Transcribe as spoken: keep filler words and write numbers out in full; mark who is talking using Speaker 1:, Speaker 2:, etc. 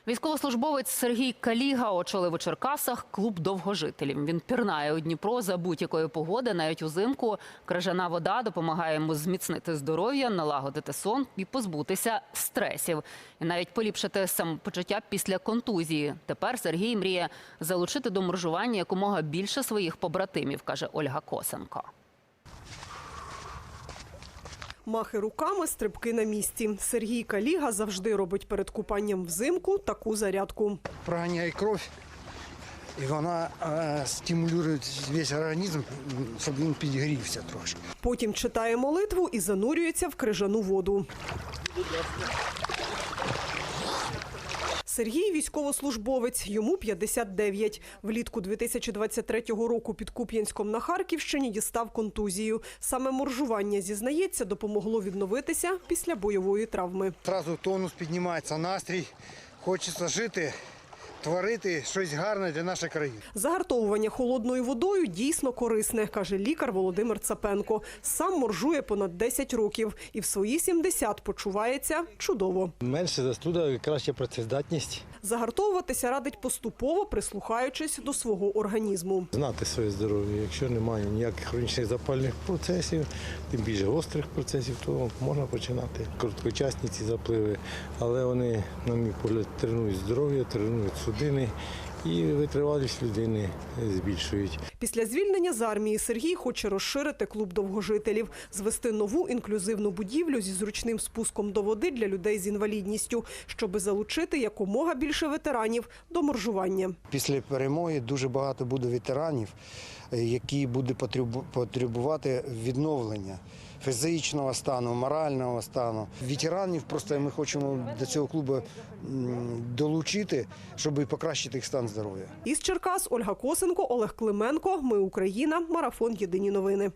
Speaker 1: Військовослужбовець Сергій Каліга очолив у Черкасах клуб довгожителів. Він пірнає у Дніпро за будь-якої погоди, навіть узимку. Крижана вода допомагає йому зміцнити здоров'я, налагодити сон і позбутися стресів. І навіть поліпшити самопочуття після контузії. Тепер Сергій мріє залучити до моржування якомога більше своїх побратимів, каже Ольга Косенко.
Speaker 2: Махи руками, стрибки на місці. Сергій Каліга завжди робить перед купанням взимку таку зарядку.
Speaker 3: Проганяє кров, і вона е, стимулює весь організм, щоб він підігрівся трошки.
Speaker 2: Потім читає молитву і занурюється в крижану воду. Сергій – військовослужбовець, йому п'ятдесят дев'ять. Влітку дві тисячі двадцять третього року під Куп'янськом на Харківщині дістав контузію. Саме моржування, зізнається, допомогло відновитися після бойової травми.
Speaker 3: Одразу тонус піднімається, настрій, хочеться жити, творити щось гарне для нашої країни.
Speaker 2: Загартовування холодною водою дійсно корисне, каже лікар Володимир Цапенко. Сам моржує понад десять років і в свої сімдесят почувається чудово.
Speaker 4: Менше застуда, краща працездатність.
Speaker 2: Загартовуватися радить поступово, прислухаючись до свого організму.
Speaker 4: Знати своє здоров'я. Якщо немає ніяких хронічних запальних процесів, тим більше гострих процесів, то можна починати. Короткочасні ці запливи, але вони, на мій погляд, тренують здоров'я, тренують судини і витривалість людини збільшують.
Speaker 2: Після звільнення з армії Сергій хоче розширити клуб довгожителів, звести нову інклюзивну будівлю зі зручним спуском до води для людей з інвалідністю, щоби залучити якомога більше ветеранів до моржування.
Speaker 3: Після перемоги дуже багато буде ветеранів, які будуть потребувати відновлення фізичного стану, морального стану. Ветеранів просто ми хочемо до цього клубу долучити, щоб покращити їх стан здоров'я.
Speaker 2: Із Черкас Ольга Косенко, Олег Клименко. Ми Україна. Марафон. Єдині новини.